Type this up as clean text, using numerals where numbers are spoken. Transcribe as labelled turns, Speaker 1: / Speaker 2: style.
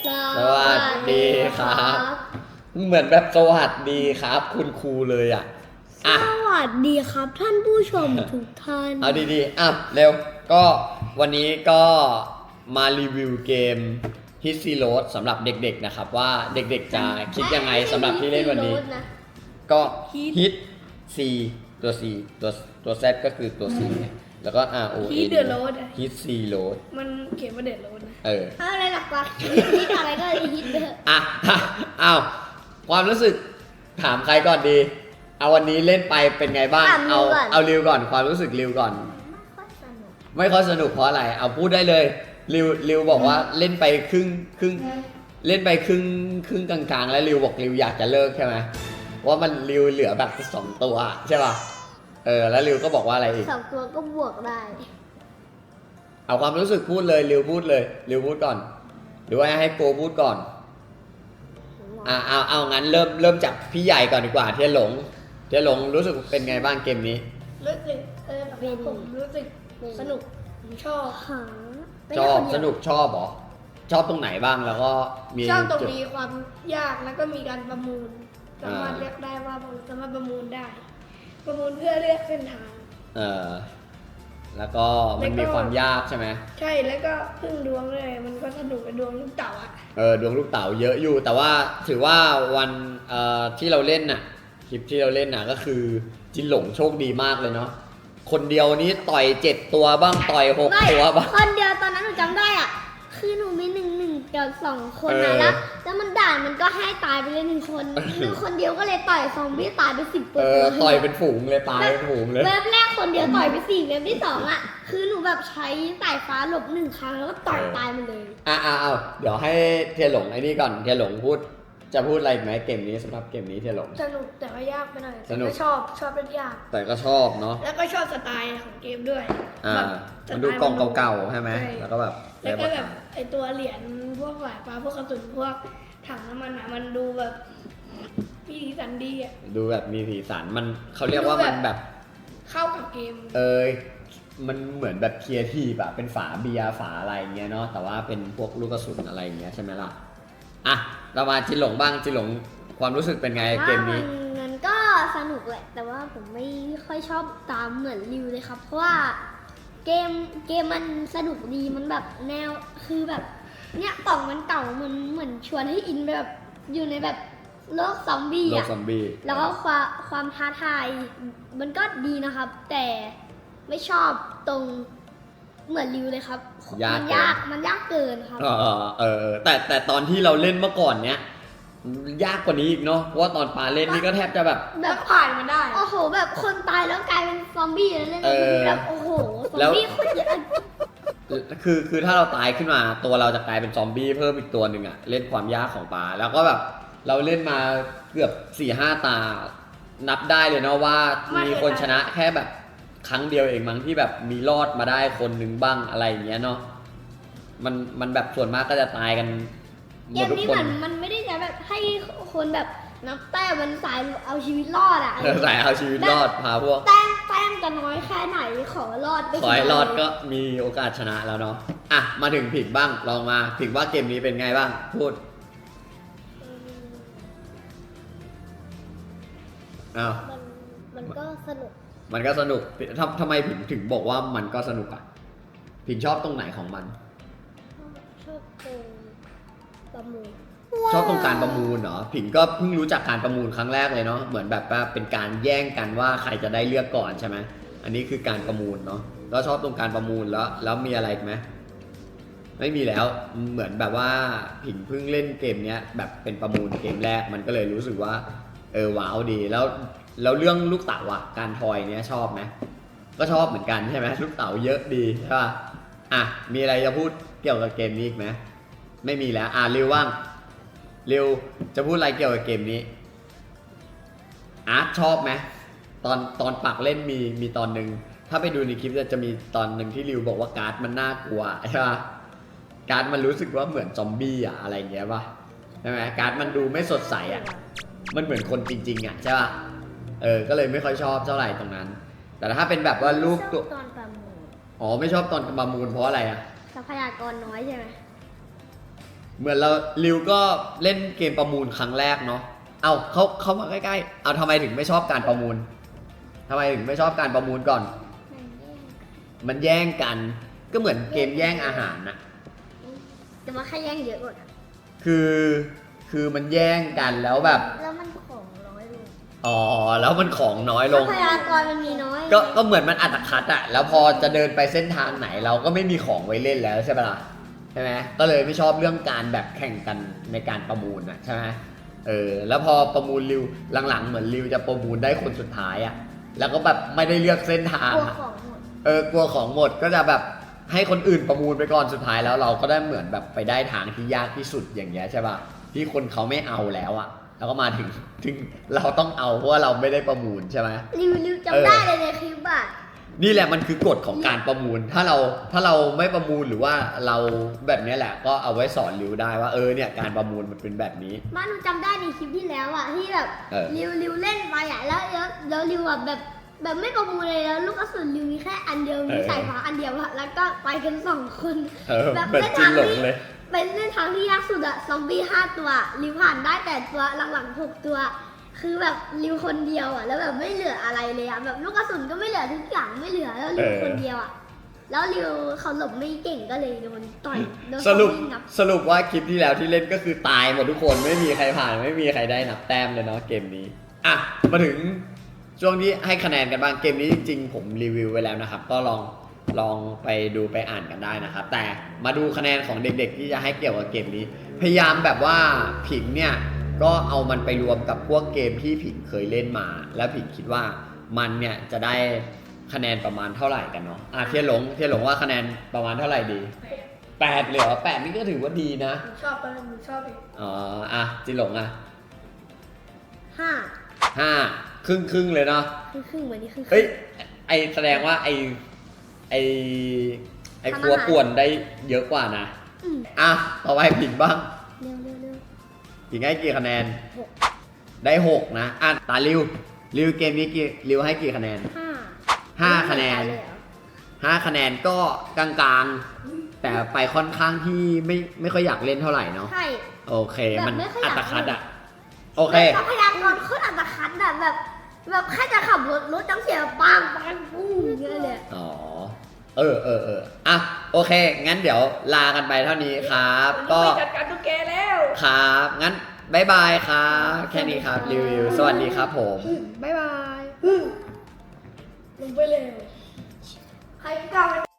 Speaker 1: สวัสดีครับ เหมือนแบบสวัสดีครับคุณครูเลยอ่ะ
Speaker 2: สวัสดีครับท่านผู้ชมทุกท่าน
Speaker 1: เอาดีๆเร็วก็วันนี้ก็มารีวิวเกม Hit Zero สำหรับเด็กๆนะครับว่าเด็กๆจะคิดยังไงสำหรับที่เล่นวันนี้ ก็ Hit C ตัว C ตัว Z ก็คือตัว C เนี่ยแล้วก็ R O N
Speaker 3: Hit the Road
Speaker 1: Hit Zero
Speaker 3: มันเขียนว่าเด็ดโรดนะ
Speaker 2: อะไรหลักฮิตอะไรก็ฮิตไปเถอะ
Speaker 1: อ้าวความรู้สึกถามใครก่อนดี เอาวันนี้เล่นไปเป็นไงบ้าง เอาริวก่อนความรู้สึกริวก่อน ไม่ค่อยสนุกเพราะอะไร เอาพูดได้เลยริวบอกว่าเล่นไปครึ่งเล่นไปครึ่งกลางๆแล้วริวบอกริวอยากจะเลิกใช่ไหมว่ามันริวเหลือแบบ2 ตัวใช่ป่ะแล้วริวก็บอกว่าอะไรอีก
Speaker 2: 2 ตัวก็บวกได้
Speaker 1: เอาความรู้สึกพูดเลยริวพูดเลยริวพูดก่อน หรือว่าให้โกพูดก่อนเอางั้นเริ่มจากพี่ใหญ่ก่อนดีกว่าเทียนหลงรู้สึกเป็นไงบ้างเกมนี้
Speaker 3: รู้สึกผมรู้สึกสนุกชอบ
Speaker 1: ชอบสนุกชอบเหรอชอบตรงไหนบ้างแล้วก็มี
Speaker 3: ชอบตรงมีความยากแล้วก็มีการประมูลสามารถเลือกได้ว่าผมสามารถประมูลได้ ประมูลเพื่อเลือกเส้นทาง
Speaker 1: แล้วก็มันมีความยากใช่ไหม
Speaker 3: ใช่แล้วก็พึ่งดวงเลยมันก็สนุกกับดวงลูกเต๋าอ่ะ
Speaker 1: ดวงลูกเต๋าเยอะอยู่แต่ว่าถือว่าวันที่เราเล่นน่ะคลิปที่เราเล่นน่ะก็คือจินหลงโชคดีมากเลยเนาะคนเดียวนี้ต่อย7 ตัวบ้างต่อย6 ตัวบ้าง
Speaker 2: คนเดียวตอนนั้นหนูจำได้อ่ะคือหนูมี1กับ2 คนนะแล้วมันด่านมันก็ให้ตายไปเลย1 คนหนูคนเดียวก็เลยต่อยซอมบี้ตายไป10 ตัว
Speaker 1: ต่อยเป็นฝูงเลยตายเป็นฝูงเลย
Speaker 2: เว็บแรกคนเดียวต่อยไป4เว็บที่2อ่ะคือหนูแบบใช้สายฟ้าหลบ1 ครั้งแล้วก็ต่อยตายมันเลย
Speaker 1: เดี๋ยวให้เทียนหลงไอ้นี่ก่อนเทียนหลงจะพูดอะไรไหมเกมนี้สำหรับเกมนี้เทียนหลง
Speaker 3: สนุกแต่ว่ายากไปหน่อย
Speaker 1: สนุก
Speaker 3: ชอบเป็นยาก
Speaker 1: แต่ก็ชอบเนาะ
Speaker 3: แล้วก็ชอบสไตล์ของเกมด้วย
Speaker 1: มันดูกล่องเก่าๆใช่ไหมแล้วก็แบบ
Speaker 3: ไอตัวเหรียญพวกสายฟ้าพวกกระสุนพวกถังน้ำมันอ่ะมันดูแบบมีสีสันดีอ่ะ
Speaker 1: ดูแบบมีสีสันมันเขาเรียกว่ามันแบบ
Speaker 3: เข้ากับเกม
Speaker 1: มันเหมือนแบบเคียร์ทีแบบเป็นฝาเบียร์ฝาอะไรเงี้ยเนาะแต่ว่าเป็นพวกลูกกระสุนอะไรเงี้ยใช่ไหมล่ะเรามาจินหลงบ้างจินหลงความรู้สึกเป็นไงเกมนี้
Speaker 2: มันก็สนุกแหละแต่ว่าผมไม่ค่อยชอบตามเหมือนริวเลยครับเพราะว่าเกมมันสนุกดีมันแบบแนวคือแบบเนี่ยกล่องมันเก่ามันเหมือนชวนให้อินแบบอยู่ในแบบโลกซอมบี้อะแล้วก็ความท้าทายมันก็ดีนะครับ แต่ไม่ชอบตรงเหมือนริวเลยครับมันยากเกินครับ
Speaker 1: แต่ตอนที่เราเล่นเมื่อก่อนเนี้ยยากกว่านี้อีกเนาะเพราะว่าตอนปาเล่นนี่ก็แทบจะแบบ
Speaker 3: ผ่านมันได้
Speaker 2: โอ้โหแบบคนตายแล้วกลายเป็นซอมบี้แล้วเล่นแบบโอ้โหซอมบี้โคตรเยอะ
Speaker 1: คือถ้าเราตายขึ้นมาตัวเราจะกลายเป็นซอมบี้เพิ่มอีกตัวหนึ่งอะเล่นความยากของปาแล้วก็แบบเราเล่นมาเกือบ 4-5 ตานับได้เลยเนาะว่ามีคนชนะแค่แบบครั้งเดียวเองมั้งที่แบบมีรอดมาได้คนหนึ่งบ้างอะไรอย่างเงี้ยเนาะมันแบบส่วนมากก็จะตายกันหมดทุกคน
Speaker 2: มันไม่ได้จะแบบให้คนแบบนับแต้มมันสายเอาชีวิตรอดอะ
Speaker 1: สายเอาชีวิตรอดพาพวก
Speaker 2: แต้มจะน้อยแค่ไหนขอรอด
Speaker 1: ขอให้รอดก็มีโอกาสชนะแล้วเนาะมาถึงผิงบ้างลองมาผิงว่าเกมนี้เป็นไงบ้างพูด
Speaker 2: มันก็สนุก
Speaker 1: ทำไมผิงถึงบอกว่ามันก็สนุกผิงชอบตรงไหนของมัน
Speaker 2: ชอบตรงประมูล
Speaker 1: ชอบตรงการประมูลเหรอผิงก็เพิ่งรู้จักการประมูลครั้งแรกเลยเนาะเหมือนแบบว่าเป็นการแย่งกันว่าใครจะได้เลือกก่อนใช่ไหมอันนี้คือการประมูลเนาะแล้วชอบตรงการประมูลแล้วมีอะไรไหมไม่มีแล้วเหมือนแบบว่าผิงเพิ่งเล่นเกมเนี้ยแบบเป็นประมูลเกมแรกมันก็เลยรู้สึกว่าว้าวดีแล้วเรื่องลูกเต๋าการทอยเนี้ยชอบไหมก็ชอบเหมือนกันใช่ไหมลูกเต๋าเยอะดีใช่ป่ะมีอะไรจะพูดเกี่ยวกับเกมนี้อีกไหมไม่มีแล้วริวว่างริวจะพูดอะไรเกี่ยวกับเกมนี้ชอบไหมตอนปักเล่นมีตอนหนึ่งถ้าไปดูในคลิปจะมีตอนหนึ่งที่ริวบอกว่าการ์ดมันน่ากลัวใช่ป่ะการ์ดมันรู้สึกว่าเหมือนซอมบี้อะไรเงี้ยป่ะใช่ไหมการ์ดมันดูไม่สดใสมันเหมือนคนจริงๆใช่ป่ะก็เลยไม่ค่อยชอบเท่าไหร่ตรงนั้นแต่ถ้าเป็นแบบว่าลูกตัว
Speaker 2: ตอนประมูล
Speaker 1: ไม่ชอบตอนประมูลเพราะอะไร
Speaker 2: ทรัพยากรน้อยใช่ไหม
Speaker 1: เหมือนเราริวก็เล่นเกมประมูลครั้งแรกเนาะเอาเขามาใกล้ๆเอาทำไมถึงไม่ชอบการประมูลทำไมถึงไม่ชอบการประมูลก่อน มันแย่งกันก็เหมือนเกมแย่งอาหารนะ
Speaker 2: แต่ว่าแค่แย่งเยอะกว่า
Speaker 1: คือมันแย่งกันแล้วแบบ
Speaker 2: แล้วมันของน้อยลง
Speaker 1: อ๋อแล้วมันของน้อยล
Speaker 2: ทรั
Speaker 1: ง
Speaker 2: พยากรมันมีน้อย
Speaker 1: ก็เหมือนมันอัตคัดอะแล้วพอจะเดินไปเส้นทางไหนเราก็ไม่มีของไว้เล่นแล้วใช่ปะล่ะใช่ไหมก็เลยไม่ชอบเรื่องการแบบแข่งกันในการประมูลอะใช่ไหมแล้วพอประมูลริวหลังๆเหมือนริวจะประมูลได้คนสุดท้ายอะแล้วก็แบบไม่ได้เลือกเส้นทาง
Speaker 2: กลัว
Speaker 1: อะ
Speaker 2: ของหมด
Speaker 1: กลัวของหมดก็จะแบบให้คนอื่นประมูลไปก่อนสุดท้ายแล้วเราก็ได้เหมือนแบบไปได้ทางที่ยากที่สุดอย่างเงี้ยใช่ปะที่คนเขาไม่เอาแล้วอะแล้วก็มาถึงเราต้องเอาเพราะว่าเราไม่ได้ประมูลใช่ไหม
Speaker 2: ริวจำได้เลยในคลิปอะ
Speaker 1: นี่แหละมันคือกฎของการประมูล ถ้าเราไม่ประมูลหรือว่าเราแบบเนี้ยแหละก็เอาไว้สอนริวได้ว่าเนี่ยการประมูลมันเป็นแบบนี้
Speaker 2: บ้านหนูจำได้ในคลิปที่แล้วอะที่แบบ ริวเล่นไปอะแล้วริวอะแบบไม่ประมูลเลยแล้วลูกกระสุนริวมีแค่อันเดียวมีสายฟ้าอันเดียวอะแล้วก็ไปกัน2 คน แบบ
Speaker 1: เป็น
Speaker 2: เล่น
Speaker 1: จิ้
Speaker 2: ทาน ง
Speaker 1: หลง
Speaker 2: ที่
Speaker 1: เลย
Speaker 2: เป็นเล่นทางที่ยากสุดอะซอมบี้5 ตัวริวผ่านได้แต่ตัวหลังๆ6 ตัว คือแบบริวคนเดียวอะแล้วแบบไม่เหลืออะไรเลยอะแบบลูกกระสุนก็ไม่เหลือทุกอย่างไม่เหลือแล้วริวคนเดียวอะแล้วริวเขาหลบไม่เก่งก็เลยโดนต่อยโดน
Speaker 1: สรุป
Speaker 2: ซอมบี้งับ
Speaker 1: สรุปว่าคลิปที่แล้วที่เล่นก็คือตายหมดทุกคนไม่มีใครผ่านไม่มีใครได้นับแต้มเลยเนาะเกมนี้อ่ะมาถึงช่วงที่ให้คะแนนกันบ้างเกมนี้จริงๆผมรีวิวไว้แล้วนะครับก็ลองไปดูไปอ่านกันได้นะครับแต่มาดูคะแนนของเด็กๆที่จะให้เกี่ยวกับเกมนี้ พยายามแบบว่าผิงเนี่ยก็เอามันไปรวมกับพวกเกมที่ผิงเคยเล่นมา แล้วผิงคิดว่ามันเนี่ยจะได้คะแนนประมาณเท่าไหร่กันเนาะเทียนหลงว่าคะแนนประมาณเท่าไหร่ดี8เลยเหรอ8นี่ก็ถือว่าดีนะ
Speaker 3: หนูชอบตอนนั้นหนูชอบเอง
Speaker 1: จินหลง
Speaker 2: 5
Speaker 1: 5ครึ่งเลยเนาะ
Speaker 2: ครึ่งเหมือนนี่ครึ่ง
Speaker 1: เฮ้ยแสดงว่าไอครัวป่วนได้เยอะกว่านะ
Speaker 2: อืม
Speaker 1: ต่อไปผิงบ้าง
Speaker 2: เร็ว
Speaker 1: ผิงให้กี่คะแนน
Speaker 2: 6
Speaker 1: ได้6นะตาริวเกมนี้ริวให้กี่คะแนน 5 คะแนน 5 คะแนนก็กลางๆ แต่ไปค่อนข้างที่ไม่ค่อยอยากเล่นเท่าไหร่เนาะ
Speaker 2: ใช่
Speaker 1: โอเค
Speaker 2: แบบ
Speaker 1: มัน
Speaker 2: ไม่ค่อยอ
Speaker 1: อั
Speaker 2: ยาก
Speaker 1: ตคัด
Speaker 2: เล่น
Speaker 1: อะโอเค
Speaker 2: ทรัพยากรโคตรอัตคัดอะแบบแค่จะขับรถต้องเสียปังปุ้งอย่างเงี้ยเลย
Speaker 1: อ๋อโอเค งั้นเดี๋ยวลากันไปเท่านี้ครับ ก็
Speaker 3: ไปจัดการตุ๊กแกแล้ว
Speaker 1: ครับงั้นบ๊ายบายครับแค่นี้ครับรีวิวสวัสดีครับผม
Speaker 2: บ๊ายบาย
Speaker 3: ลงไปเลยใครกล้า